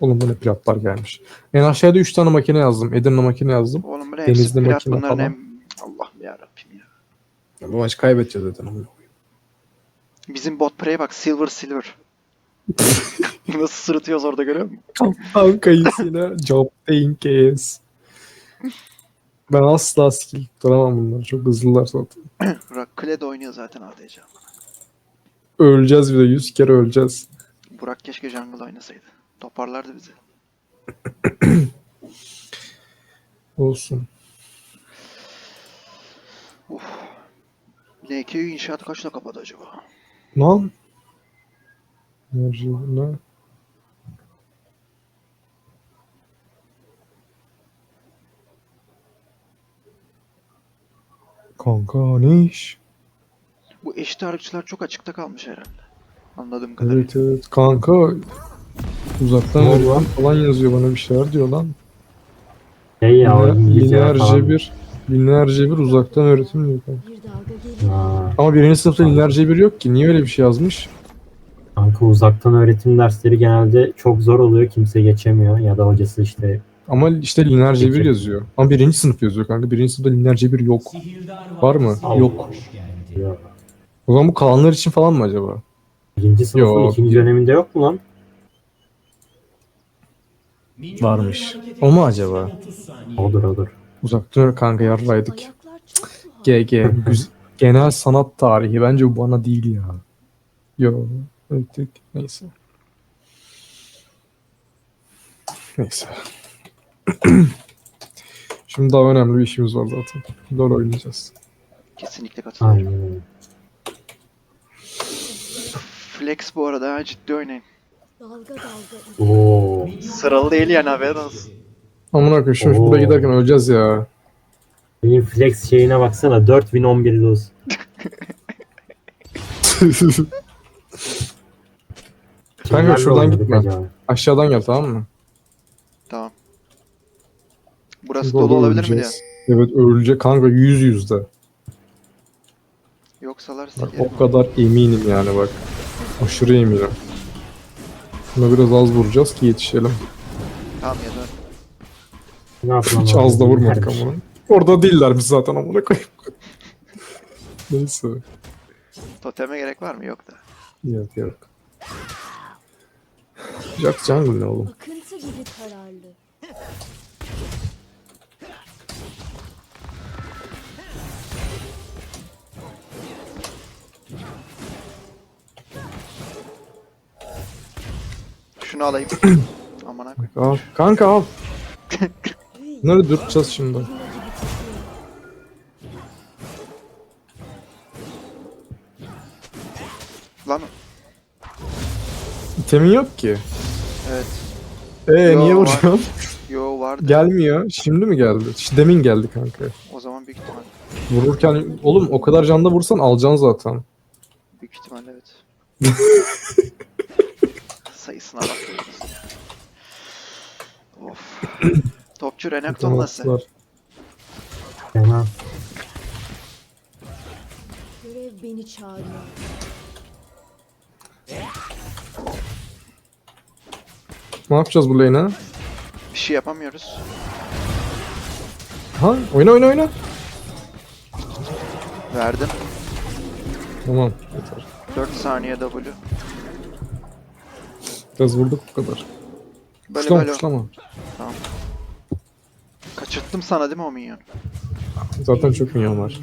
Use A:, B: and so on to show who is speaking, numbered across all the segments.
A: Oğlum bu ne platlar gelmiş. En aşağıda 3 tane makine yazdım. Edirne makine yazdım.
B: Oğlum bu ne hepsi
A: Denizli
B: plat
A: makine
B: bunların
A: falan.
B: hem... Allah'ım yarabbim ya.
A: Bu maç kaybedeceğiz zaten.
B: Bizim bot prey bak silver. Nasıl sırıtıyoruz orada görüyor musun?
A: Kaptan kayısıyla job case. Ben asla skill tutturamam bunları. Çok hızlılar zaten.
B: Burak Kled oynuyor zaten ADC.
A: Öleceğiz bir de 100 kere öleceğiz.
B: Burak keşke jungle oynasaydı. Toparlardı bizi.
A: Olsun.
B: LK'yi inşaatı kaçta kapadı acaba?
A: Lan. Ne? Kanka ne iş?
B: Bu eşit ağırlıkçılar çok açıkta kalmış herhalde. Anladığım kadarıyla.
A: Evet. Kanka uzaktan
C: Ne oldu
A: öğretim
C: lan?
A: falan yazıyor bana bir şeyler diyor lan.
C: Şey ya o İngilizce falan.
A: Binlerce bir uzaktan öğretim diyor kanka.
D: Bir dalga geliyor.
C: Ha,
A: Ama birinci sınıfta binlerce bir yok ki. Niye öyle bir şey yazmış?
C: kanka uzaktan öğretim dersleri genelde çok zor oluyor. Kimse geçemiyor. Ya da hocası işte
A: Ama işte lineer bir
C: Peki.
A: yazıyor. Ama birinci sınıf yazıyor kanka. Birinci sınıfta lineer bir yok. Var mı?
C: Allah.
A: Yok.
C: diyor.
A: O zaman bu kalanlar için falan mı acaba?
C: Birinci sınıfın
A: Yok.
C: ikinci döneminde yok mu lan?
A: Varmış. O mu acaba?
C: Odur.
A: Uzaktan kanka yarraydık.
D: Ayaklar çok tuhaf.
A: GG. Genel sanat tarihi. Bence bu bana değil ya. Yo. Evet, neyse. Neyse. Şimdi daha önemli bir işimiz var zaten. LoL oynayacağız.
B: Kesinlikle katılıyorum.
C: Aynen öyle.
B: Flex bu arada ha, ciddi oynayın.
D: Dalga
C: Oo.
B: Sıralı değil yani haberin olsun.
A: Amına koyayım şimdi
C: Oo.
A: şurada giderken öleceğiz ya.
C: Benim flex şeyine baksana 4000 11 lose. Kimlerle
A: şuradan
C: oynadık
A: gitme.
C: acaba?
A: Aşağıdan gel tamam mı?
B: Tamam. Burası
A: Çünkü orada
B: dolu olabilir mi diye.
A: öleceğiz. Evet ölecek kanka yüzde.
B: Yoksalar
A: Bak
B: sikerim.
A: o kadar eminim yani bak. Aşırı eminim. Buna biraz az vuracağız ki yetişelim.
B: Tamam ya da
C: Ne yapalım?
A: Hiç
C: abi?
A: az da vurmadık
C: Bilmiyorum.
A: amına. Orada değillermiş zaten amına koyayım. Neyse.
B: toteme gerek var mı? Yok da.
A: Yok. Jack Jungle ne oğlum?
D: akıntı gibi kararlı.
B: Şunu alayım. Aman ha.
A: Al. Kanka al. Bunları dürteceğiz şimdi.
B: Lan
A: İtemin yok ki.
B: evet. Yo,
A: Niye
B: var.
A: vuruyorsun?
B: Yo vardı.
A: Gelmiyor. Şimdi mi geldi? Demin geldi kanka.
B: O zaman büyük ihtimal.
A: Vururken oğlum o kadar canda vursan alacaksın zaten.
B: Büyük ihtimal evet. Sayısına bakıyoruz ya. Of. Topçu Renekton nasıl?
A: Var.
C: Fena.
D: Görev beni çağırıyor.
A: Ne yapacağız bu lane'e?
B: Bir şey yapamıyoruz.
A: Ha? Oyna.
B: Verdim.
A: Tamam. Yeter.
B: 4 saniye W.
A: Biraz vurduk bu kadar.
B: Böyle
A: Puşlama
B: böyle.
A: puşlama.
B: Kaçırttım sana değil mi o minyon?
A: Zaten çok minyon var.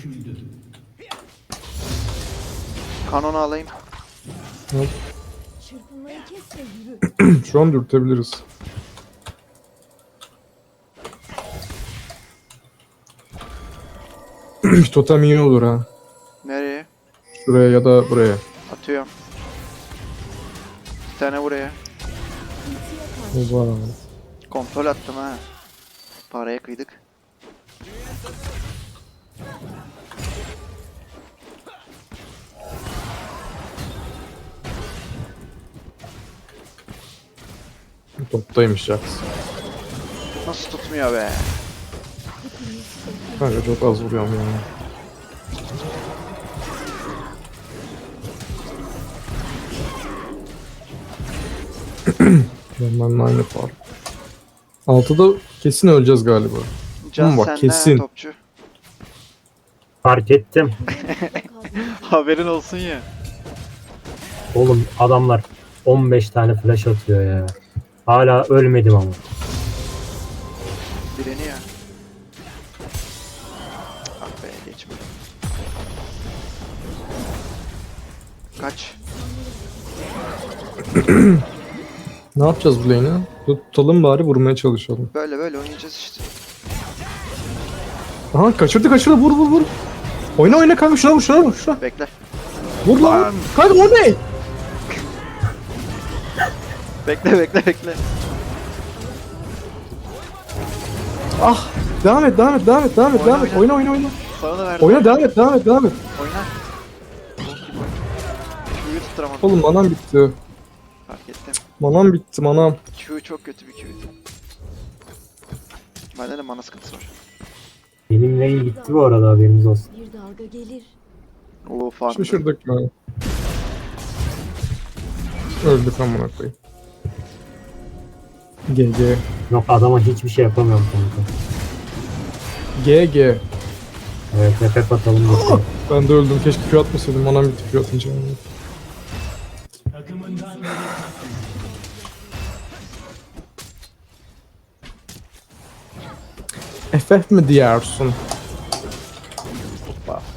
B: Kanonu alayım.
D: Çırpınmayı kes ve yürü.
A: Şu an dürtebiliriz. Totem iyi olur ha.
B: Nereye?
A: Şuraya ya da buraya.
B: Atıyorum. Bir tane buraya.
D: Akıntıya karşı.
A: O var abi.
B: Kontrol attım ha. Paraya kıydık.
A: Toptaymış Jax.
B: Nasıl tutmuyor be?
A: Kanka çok az vuruyorum yani. Benimle aynı fark. 6'da kesin öleceğiz galiba.
B: Can
A: bak,
B: senden
A: kesin.
B: topçu.
C: Fark ettim.
B: Haberin olsun ya.
C: Oğlum adamlar 15 tane flash atıyor ya. Hala ölmedim ama.
B: Direniyor. Ah be geçme. Kaç.
A: Ne yapacağız bu lane'i? Tutalım bari, vurmaya çalışalım.
B: Böyle böyle oynayacağız işte.
A: Aha kaçırdı vur vur vur. Oyna kanka, şuna vur şuna vur şuna.
B: Bekle.
A: Vur lan.
B: Lan.
A: Kanka o ne?
B: Bekle.
A: Ah. Devam et. Oyna.
B: Sana da verdim.
A: Oyna devam et.
B: Oyna. Q'yu tutturamadım.
A: Oğlum manam bitti.
B: Fark ettim.
A: Manam bitti manam.
B: Q çok kötü bir Q'ydu. Bende de mana sıkıntısı var.
C: Benim lane gitti bu arada, haberiniz olsun.
D: Bir dalga gelir.
B: Oo farklı.
A: Şaşırdık ya. Öldük amına koyayım. GG.
C: Yok, adama hiçbir şey yapamıyorum kanka.
A: GG.
C: Evet, FF atalım bakalım.
A: Ben de öldüm. Keşke Q atmasaydım. Manam bitti Q atınca. FF mi diyorsun? Hoppa.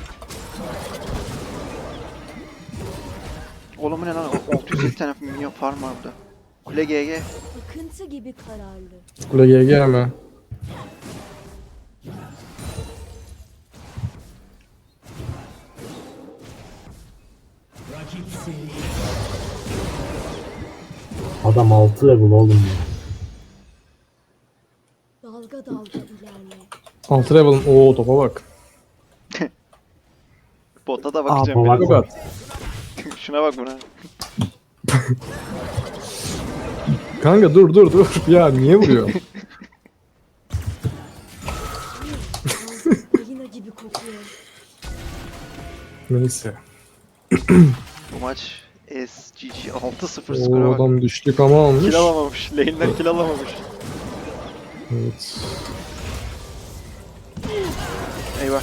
B: Oğlum bu ne lan? 650 tane minyon farm var burada. Kule GG.
D: Akıntı gibi kararlı.
A: Kule GG mi?
C: Adam 6 level oğlum ya.
D: Dalga dalga ilerle.
A: 6 level'ın. Oo topa bak.
B: Bota da
C: Aa,
B: bakacağım.
C: bak.
B: biraz.
A: Bak.
B: Şuna bak buna.
A: Kanka dur. Ya niye vuruyor?
D: Elina gibi kokuyor.
A: Neyse.
B: Bu maç SGG 6-0 skora
A: O
B: bak.
A: adam düştük ama almış.
B: Kill alamamış. Lane'den kill alamamış.
A: Evet.
B: Eyvah.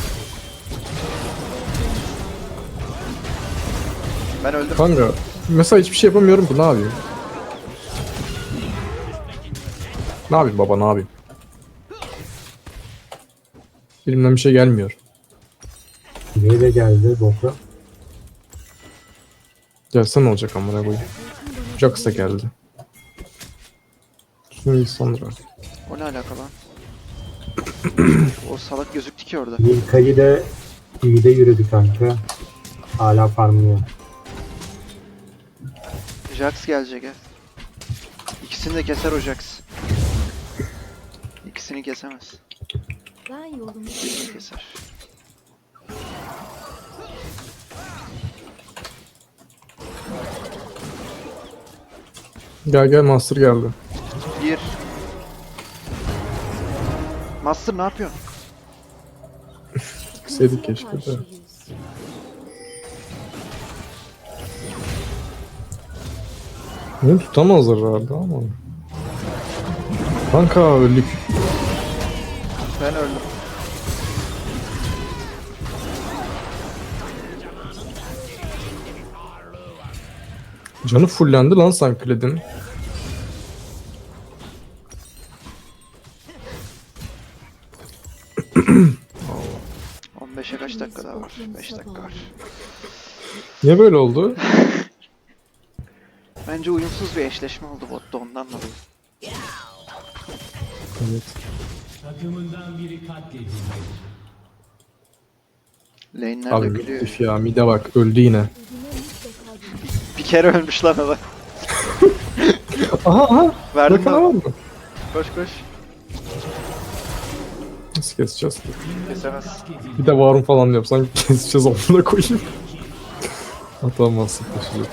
B: Ben öldüm.
A: Kanka mesela hiçbir şey yapamıyorum ki, ne yapayım? Ne yapayım baba, ne yapayım? Elimden bir şey gelmiyor.
C: Niye de geldi bota?
A: Gelse ne olacak amına koyayım? Jax da geldi. Şimdi sonra.
B: O ne alaka lan? O salak gözüktü ki orada.
C: Milka'yı de iyi de yürüdü kanka. Hala farmlıyor.
B: Jax gelecek ha. İkisini de keser o Jax. İkisini kesemez.
D: Ben yolumu
B: İkisini keser.
A: Gel Master geldi.
B: Bir. Master ne yapıyorsun?
A: Sevdik keşke de.
D: karşıyız.
A: Beni tutamazlar herhalde ama. Kanka öldük.
B: Ben öldüm.
A: Canı fullendi lan Sankled'in.
B: Oo. 15'e kaç dakika daha var? 5 dakika var.
A: Niye böyle oldu?
B: Bence uyumsuz bir eşleşme oldu botta ondan dolayı.
A: Evet.
B: Lane'ler
A: Abi
B: dökülüyor.
A: üf ya, mide bak öldü yine.
D: Ödüne mutlaka dönüş.
B: Bir kere ölmüş lan adam.
A: Aha.
B: Verdim
A: Bakana var
B: lan.
A: mı?
B: Koş koş.
A: Nasıl keseceğiz?
B: Kesemez.
A: Bir de varım falan yapsan keseceğiz, amına koyayım. Atamazsın taşıyacak.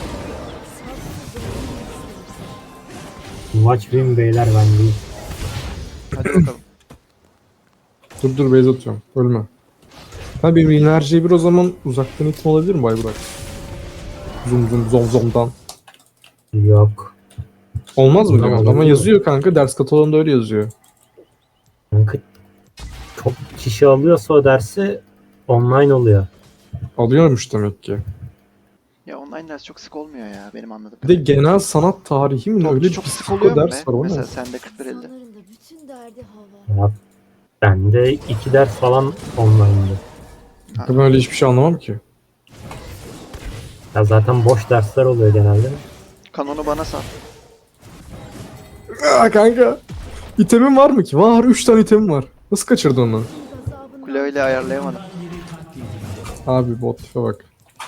C: Maç win beyler, ben değil.
B: Hadi bakalım.
A: Dur base atıyorum. Ölme. Ha benim enerjiyi bir o zaman uzaktan itme olabilir mi Bayburak? Zomdan.
C: Yok.
A: Olmaz mı
C: Tamam,
A: diyorsun? Ama
C: olur.
A: yazıyor kanka. Ders kataloğunda öyle yazıyor.
C: Kanka, çok kişi alıyorsa o dersi online oluyor.
A: Alıyormuş demek ki.
B: Ya online ders çok sık olmuyor ya benim anladığım
A: Bir de
B: kadarıyla.
A: genel sanat tarihi mi? ne? Öyle bir
B: Çok sık
A: psiko
B: oluyor mu be?
A: ders var. O ne?
B: Mesela sende 41-50.
D: İnsanların da bütün derdi hava.
C: Ya, bende 2 ders falan online'dı.
A: Ben öyle hiçbir şey anlamam ki.
C: Ya zaten boş dersler oluyor genelde.
B: Kanonu bana sat.
A: Aa kanka. İtemim var mı ki? Var. 3 tane itemim var. Nasıl kaçırdın onu?
D: Gazabından
B: Kule öyle ayarlayamadım.
A: Abi bot tipe bak.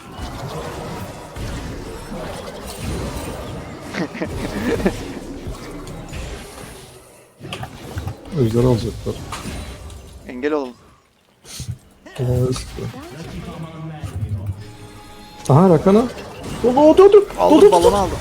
A: Ejder alacaklar.
B: Engel olalım.
A: Aha Rakan'a. Dur.
B: Aldım balonu aldım.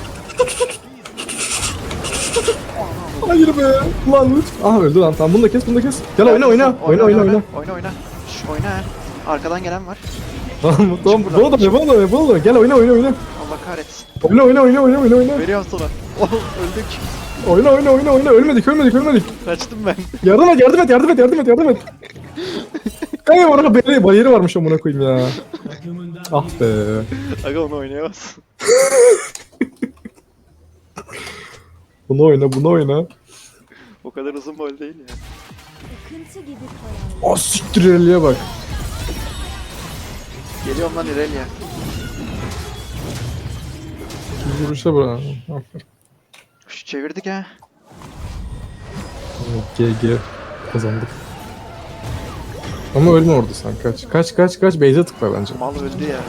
A: Hayır be. Lan lütfen. Aha öldü lan. Tamam bunu da kes. Gel oyna.
B: Oyna.
A: Oyna.
B: Oyna. Şş, oyna. Arkadan gelen var.
A: Tamam.
B: buradan,
A: Bana da. Gel oyna.
B: Allah kahretsin.
A: Oyna.
B: Veriyorum sana. Oh, öldük.
A: Oyna. Ölmedik.
B: Kaçtım ben.
A: Yardım et. Kanka orada bariyeri varmış amına koyayım ya. Ah be.
B: Aga onu oynayamaz.
A: Bunu oyna.
B: O kadar uzun boy değil ya.
D: akıntı gibi karar.
A: Ah siktir Eli'ye bak.
B: Geliyorum lan İrelia.
A: Vuruşa bırak.
B: Şş, çevirdik ha.
A: GG. Kazandık. Ama ölme orada sen kaç. Base'e tıkla bence.
B: Mal öldü ya.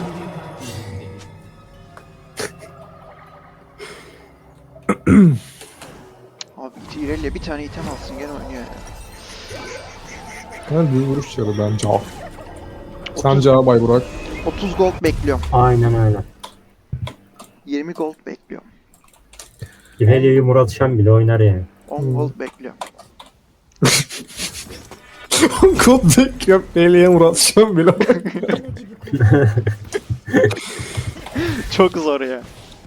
B: Abi İrelia bir tane item alsın gene oynuyor ya.
A: Ben bir vuruş yarı bence. Sence Bay Burak.
B: 30 gold bekliyorum.
C: Aynen öyle.
B: 20 gold bekliyorum.
C: İvelia'yı Murat Şen bile oynar yani.
B: 10 gold bekliyorum.
A: Kod bekliyorum. Eli'ye uğraşacağım bile.
D: Ana gibi kokuyor.
B: Çok zor ya.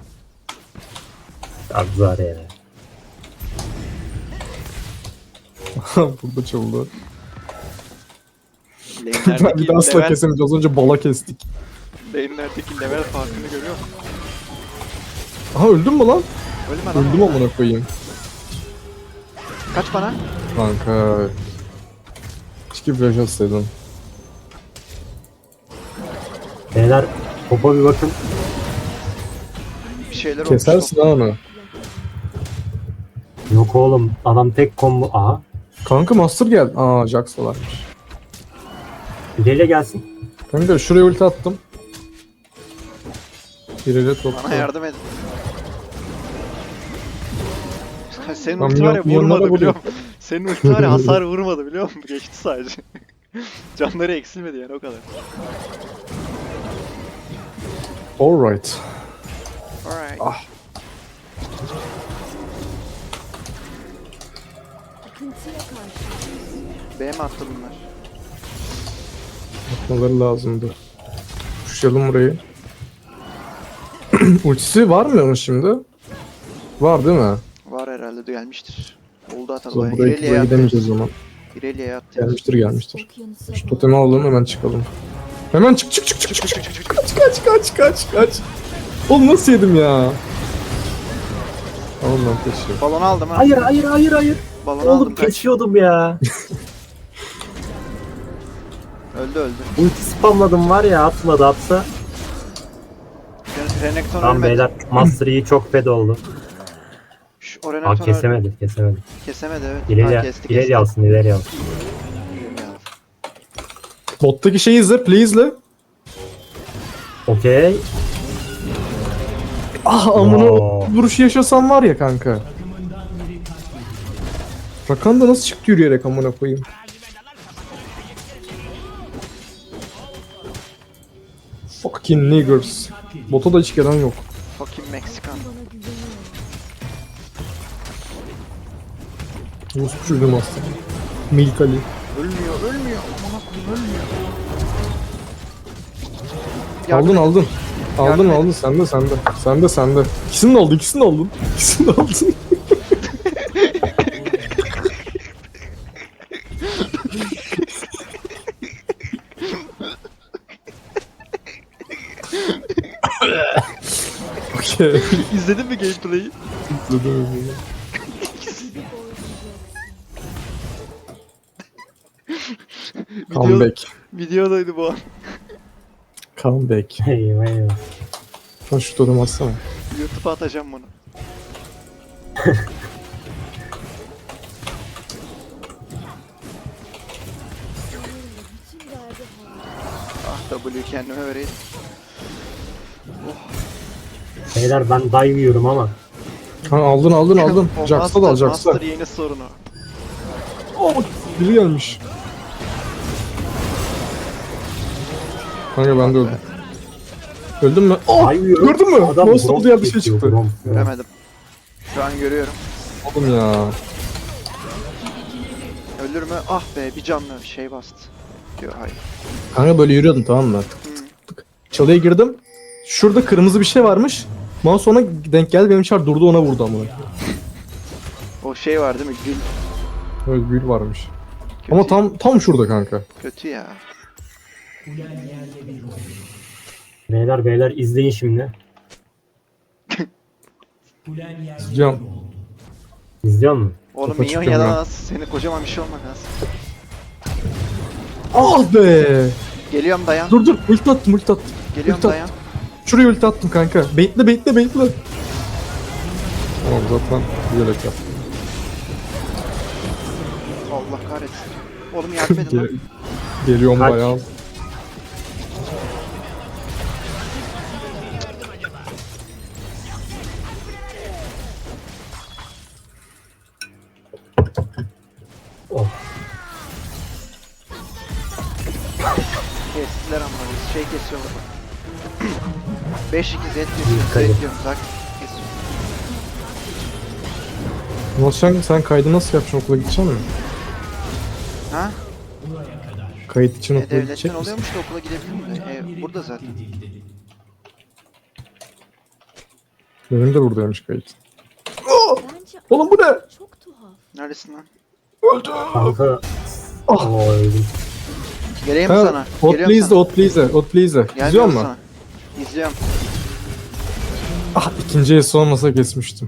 C: Abzar ya.
A: Burada çaldı. Ben bir
B: Lane'lerdeki
A: de asla
B: level,
A: kesemeyeceğiz. Az önce bala kestik.
B: lane'lerdeki level farkını görüyor musun?
A: Aha öldün mü lan?
B: Ölme lan.
A: Öldüm
B: orada.
A: amına koyayım.
B: Kaç bana?
A: Kanka. Keşke flash atsaydın.
C: Beyler topa bir bakın.
B: Bir şeyler
A: Kesersin ha onu.
C: Yok oğlum adam tek combo. Aha.
A: Kanka Master gel. Aa Jax varmış.
C: İvelia gelsin.
A: Kanka şuraya ulti attım. Biriyle topla.
B: Bana yardım edin. Senin
A: Lan
B: ulti var ya
A: milyonlara
B: vurmadı biliyor
A: vuruyor.
B: musun? Senin ulti var ya hasar vurmadı biliyor musun? Geçti sadece. Canları eksilmedi yani o kadar.
A: Alright.
B: Alright.
A: Ah.
D: Akıntıya karşı.
B: B mi attı bunlar?
A: Atmaları lazımdı. Pushlayalım burayı. Ultisi var mı onun şimdi? Var değil mi?
B: Var herhalde de gelmiştir. Oldu
A: O
B: hatalı.
A: zaman buraya
B: İrelia'ya attı.
A: gidemeyeceğiz o zaman.
B: İrelia'ya attı.
A: Gelmiştir.
D: Okyanusa
A: Şu
D: bak.
A: totemi alalım hemen çıkalım. Hemen çık. Kaç. Oğlum nasıl yedim ya? Tamam lan peşi.
B: Balonu aldım ha.
C: Hayır.
B: Balonu aldım
C: Oğlum
B: kaç.
C: kesiyordum ya.
B: Öldü.
C: Ulti spamladım var ya atsa.
B: Renekton
C: Tamam
B: ölmedi.
C: beyler Master Yi çok fed oldu.
B: O
C: Aa
B: Renekton
C: kesemedi.
B: Kesemedi evet.
C: İleri,
B: Kesti.
C: ileri alsın.
B: İrelia.
A: Bottaki şeyi izle, please izle.
C: Okey.
A: Ah amına
C: Oo.
A: vuruşu yaşasam var ya kanka. Rakan da nasıl çıktı yürüyerek amına koyayım. Fucking niggers. Bota da hiç gelen yok.
B: Fucking Meksikan.
D: Bana güveniyor.
A: Rus'u çocuğum aslında. Milkali.
B: Ölmüyor. Aman akıllım ölmüyor.
A: Aldın.
B: Yardım et.
A: Aldın sende. İkisini de aldın. Keşke.
B: İzledin mi gameplay'i?
D: gibi boğulacaksın.
A: Comeback.
B: Videodaydı bu an.
A: Comeback.
C: Eyvah eyvah.
A: Lan şu totem atsana.
B: YouTube'a atacağım bunu.
D: Bütün derdi hava.
B: Ah W kendime vereyim.
C: Beyler ben dive yiyorum ama.
A: Ha, aldın.
B: O
A: Jax'a da al Jax'a.
B: Master yeni sorunu.
A: Oh, biri gelmiş. Kanka ben de öldüm. Öldün mü? Oh,
C: Dive yiyorum.
A: gördün mü?
C: Adam
A: Monster
C: bronz
A: diye bir şey
C: kesiyor,
A: çıktı.
C: bronz.
B: Göremedim. Şu an görüyorum.
A: Oğlum ya.
B: Ölür mü? Ah be bir canlı şey bastı. Diyor hayır.
A: Kanka böyle yürüyordum, tamam mı? Çalıya girdim. Şurada kırmızı bir şey varmış. Mouse ona denk geldi, benim çar durdu, ona vurdu amına.
B: O şey var değil mi? Gül.
A: Öyle gül varmış.
B: Kötü,
A: Ama tam şurada kanka.
B: kötü ya.
C: Beyler izleyin şimdi.
A: Can.
C: İzliyor musun?
B: Oğlum
A: Topa
B: minyon
A: çıkıyorum
B: yalan az. Senin kocaman bir şey olmak lazım.
A: Ah be.
B: Geliyorum dayan.
A: Dur ulti attım.
B: Geliyorum
A: ulti
B: dayan.
A: Şuraya ulti attım kanka. Baitle. Tamam zaten bilerek yaptım.
B: Allah kahretsin. Oğlum yardım edin lan.
A: Geliyorum
C: Kaç?
A: bayağı.
C: Oh.
B: Kestiler ama biz şey kesiyorlar. 5-2 Z kesiyorum.
C: Dikkat et.
B: Z diyorum. Zak kesiyorum.
A: Sen kaydı nasıl yapacaksın, okula gideceksin mi?
B: Ha?
A: Kayıt için okula
B: Devletten
A: gidecek misin?
B: oluyormuş da okula gidebilirim de. Burada zaten.
A: Benim de buradaymış kayıt.
D: Bence
A: Oğlum bu ne?
D: çok tuhaf.
B: Neredesin lan?
C: Kanka.
A: Ah.
C: Oo, öldüm.
B: Geleyim mi
A: Ha,
B: sana?
A: Ot
B: Geliyorum
A: please de,
B: sana.
A: ot please de. İzliyor
B: Gelmiyorum
A: musun?
B: sana. İzliyorum.
A: Ah, ikinci es olmasa kesmiştim.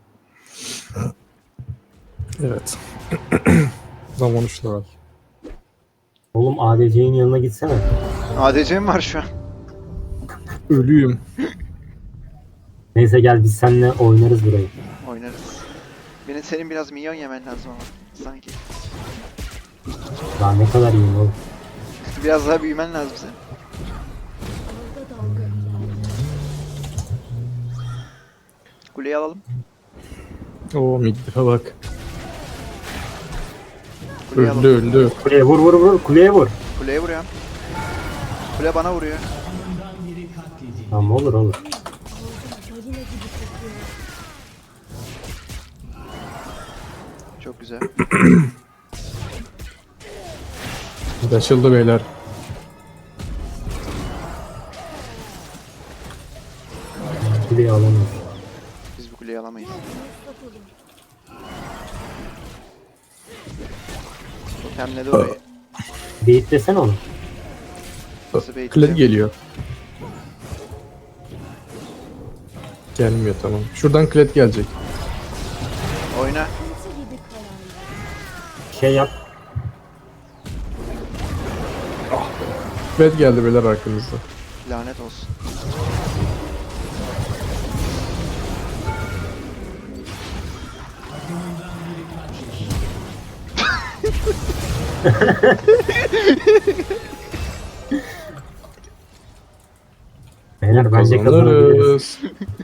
A: Evet. Zaman 3 level.
C: Oğlum ADC'nin yanına gitsene.
B: ADC'm var şu an.
A: Ölüyüm.
C: Neyse gel biz seninle oynarız burayı.
B: Oynarız. Senin biraz minyon yemen lazım ama. Sanki.
C: Daha ne kadar iyiyim oğlum.
B: Biraz daha büyümen lazım senin.
D: Dalga dalga ilerler.
B: Kuleyi alalım.
A: Oo, midlife bak.
B: Kuleyi
A: Öldü
B: alalım.
A: öldü.
C: Kuleye vur kuleye vur.
B: Kuleye vuruyorum. Kule bana vuruyor.
C: Tamam olur.
D: Balina gibi kokuyor.
B: Çok güzel.
A: Açıldı beyler.
C: Kuleyi alamıyorum.
B: Biz bu kuleyi alamayız.
D: Satalım.
B: Totemle de orayı.
C: Beyitlesene onu.
B: Nasıl
A: Kled
B: bekleyeceğim?
A: geliyor. Gelmiyor, tamam. Şuradan kled gelecek.
B: Oyna.
D: Kıntı gibi kararlı.
C: Şey yap.
A: Kled geldi beyler arkamızda.
B: Lanet olsun.
C: Beyler bence kazanabiliriz.
A: Kazanırız.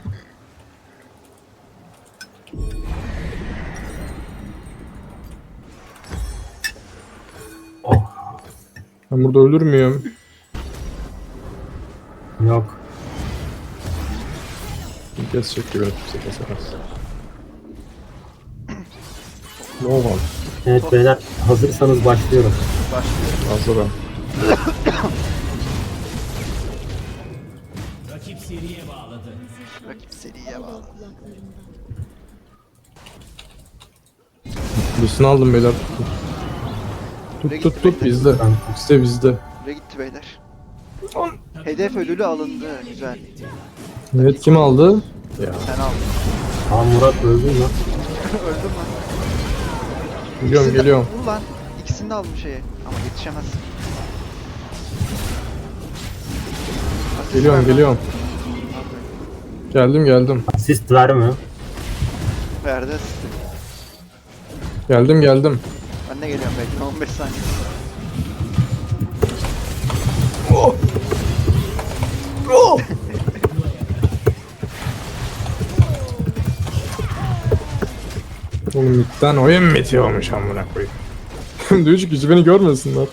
C: Oh.
A: Ben burada ölür müyüm?
C: Yok.
A: Kesecek gibi kimse kesemez. Ne oldu?
C: Evet beyler hazırsanız başlıyorum.
B: Başlıyor.
A: Hazırım.
B: Rakip seriye bağlı.
D: Kulaklarımdan.
A: Üstünü aldım beyler.
B: Buraya
A: Tut
B: gitti beyler.
A: bizde. Bizde.
B: Buraya gitti beyler. Hedef ödülü alındı. Güzel.
A: Evet, kim aldı? Ya.
B: Sen aldın.
C: Aa Murat öldün lan.
B: Öldüm lan.
A: Geliyorum
B: İkisini de-
A: geliyorum.
B: Vur lan. İkisini de aldım şeye. Ama yetişemezsin. Asist
A: Geliyorum
B: ver lan.
A: geliyorum. Geldim geldim.
C: Asist vermiyor.
B: Verdi asisti.
A: Geldim geldim.
B: Ben de geliyorum bekle 15 saniye.
A: Oh! Oh! Oğlum midden oyun bitiyormuş amına koyayım. Diyor ki hiç beni görmesinler.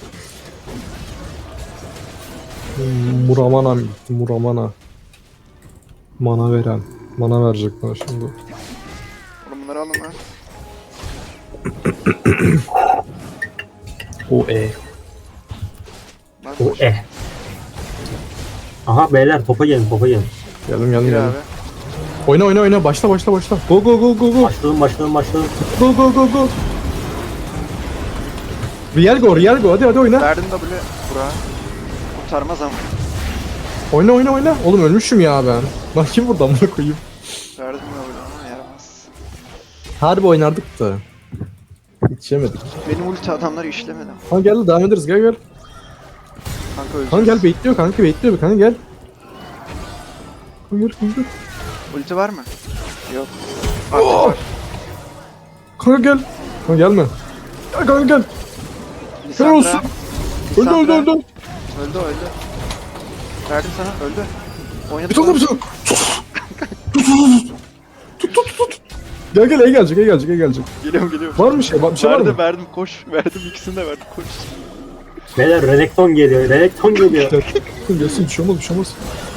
A: Muramana mı gitti? Muramana. Mana veren. Mana verecek bana şimdi.
B: Oğlum bunları alın lan.
A: O
B: Bak,
C: O Aha beyler topa gelin topa gelin.
A: Geldim geldim
B: Gir
A: geldim.
B: abi.
A: Oyna oyna oyna başla başla başla. Go go go go go.
C: Başladım.
A: Go go go go. Real go hadi hadi oyna.
B: Verdim W. Burak'a. Kurtarmaz ama.
A: Oyna oyna oyna. Oğlum ölmüşüm ya ben. Lan kim burada amına koyayım.
B: Verdim W ama yaramaz.
A: Harbi oynardık da. Hiç yemedik.
B: Benim ulti adamları işlemedi.
A: Ha gel devam ederiz gel gel.
B: Kanka öleceğiz.
A: Kanka gel bekliyor kanka bekliyor kanka gel. Kanka gel.
B: Ulti var mı? Yok.
A: Oh!
B: Var.
A: Kanka gel. Kanka gelme. Gel kanka gel.
B: Lisandra.
A: olsun. Öldü
B: Lisandra.
A: öldü öldü.
B: Öldü. Verdim sana öldü. Oynadık.
A: Bir tane bir tane. Tut. Gel gel gelecek.
B: Geliyorum.
A: Var mı şey? Bir şey var mı?
B: Verdim koş. Verdim ikisini de verdim koş.
C: Beyler Renekton geliyor.
A: Gelsin bir şey olmaz.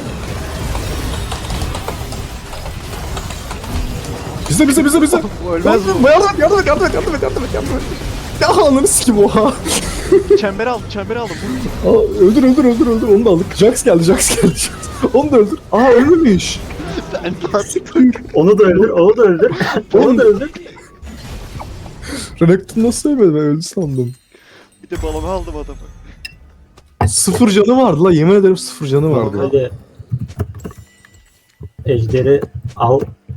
A: Bize.
B: Bu ölmez bu.
A: Yardım et. Ya ananı sikim oha.
B: Çember aldım.
A: Aa, öldür onu da aldık. Jax geldi. Onu da öldür. Aa ölmemiş.
B: Ben artık
C: Onu da öldür.
A: Renekton nasıl ölmedi ben öldü sandım.
B: bir de balonu aldım adamı.
A: 0 canı vardı la yemin ederim 0 canı vardı.
C: Hadi. Ejderi al.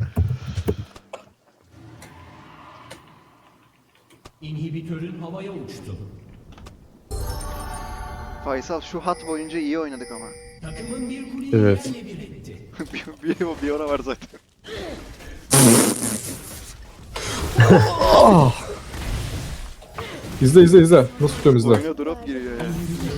E: İnhibitörün havaya uçtu.
B: Faysal şu hat boyunca iyi oynadık ama.
E: Takımın bir kuleyi
A: Evet.
E: yerle bir etti.
B: bir ona var zaten.
A: İzle. Nasıl tutuyorum izle.
B: Oyuna drop giriyor ya.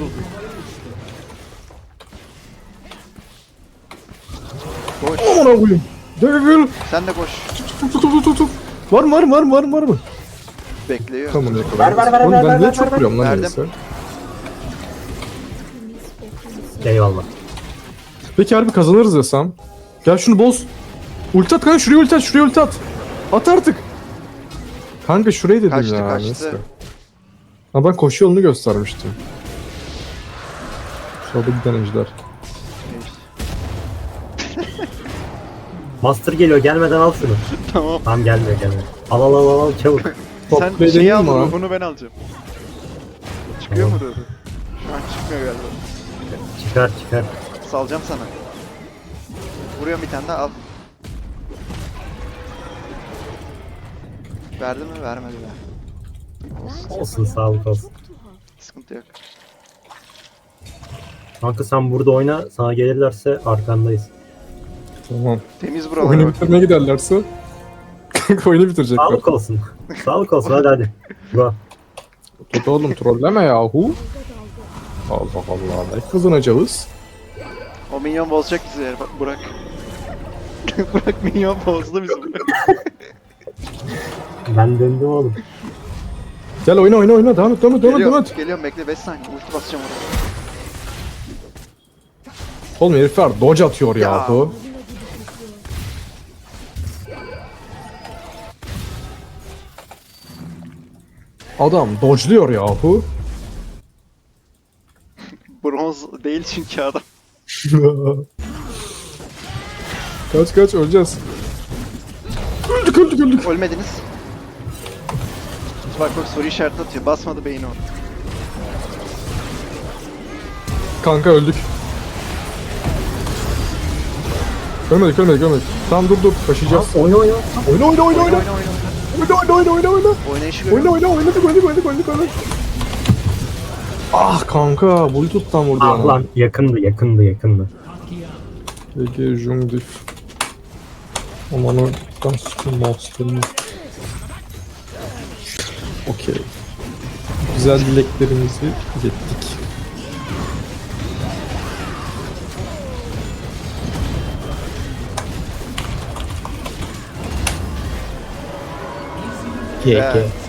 B: Koş.
A: Aman koyayım. Gel.
B: Sen de koş.
A: Tut. Var mı?
B: Bekliyor.
A: Tamam yakaladım.
C: Ver,
A: Oğlum ben
C: ver,
A: niye
C: ver,
A: çok
C: ver.
A: vuruyorum lan
B: Verdim.
A: neyse.
C: Eyvallah.
A: Peki harbi kazanırız desem. Gel şunu boz. Ulti at kanka şuraya ulti at. At artık. Kanka şurayı dedim
B: Kaçtı,
A: ya.
B: kaçtı.
A: Neyse. Ha ben koşu yolunu göstermiştim. Solda giden ejder.
C: Master geliyor gelmeden al şunu.
B: Tamam.
C: Tamam gelmiyor. Al çabuk.
A: Top
B: Sen
A: play
B: şeyi
A: değil
B: al
A: mi lan?
B: ruhunu ben alacağım. Çıkıyor
C: Tamam.
B: mu ruhu? Şu an çıkmıyor galiba.
C: Çıkar.
B: Salacağım sana. Vuruyorum bir tane daha al. Verdi mi? Vermedi be.
C: Olsun sağlık olsun.
B: Sıkıntı yok.
C: Kanka sen burada oyna. Sana gelirlerse arkandayız.
A: Tamam.
B: Temiz buralara
A: Oyunu
B: bak.
A: bitirmeye giderlerse. Kanka oyunu bitirecekler.
C: Sağlık olsun. Sağlık olsun hadi. Go.
A: Tut oğlum trolleme yahu. Allah ne kazanacağız?
B: O minyon bozacak bizi ya. Bak Burak. Burak minyon bozdu bizi.
C: Ben döndüm oğlum.
A: Gel oyna devam et.
B: Geliyorum bekle 5 saniye. Ulti basacağım oraya.
A: Oğlum herifler dodge atıyor
B: Ya.
A: yahu. Adam dodge'luyor yahu.
B: Bronz değil çünkü adam.
A: Kaç öleceğiz. Öldük.
B: Ölmediniz. Bak soru işareti atıyor. Basmadı beyni o.
A: Kanka öldük. Ölmedik ölmedik ölmedik. Tamam dur taşıyacağız.
C: Oyna oyna.
A: Oyna oyna oyna oyna. Oyna.
B: Oynayışı görüyorum.
A: Oynadık. Ah kanka Bluetooth'tan vurdu
C: Ah
A: bana.
C: lan yakındı.
A: Peki Jungdif. Aman o Gunskin Monster'ını. Okey. Güzel dileklerimizi ilettik.
B: Evet.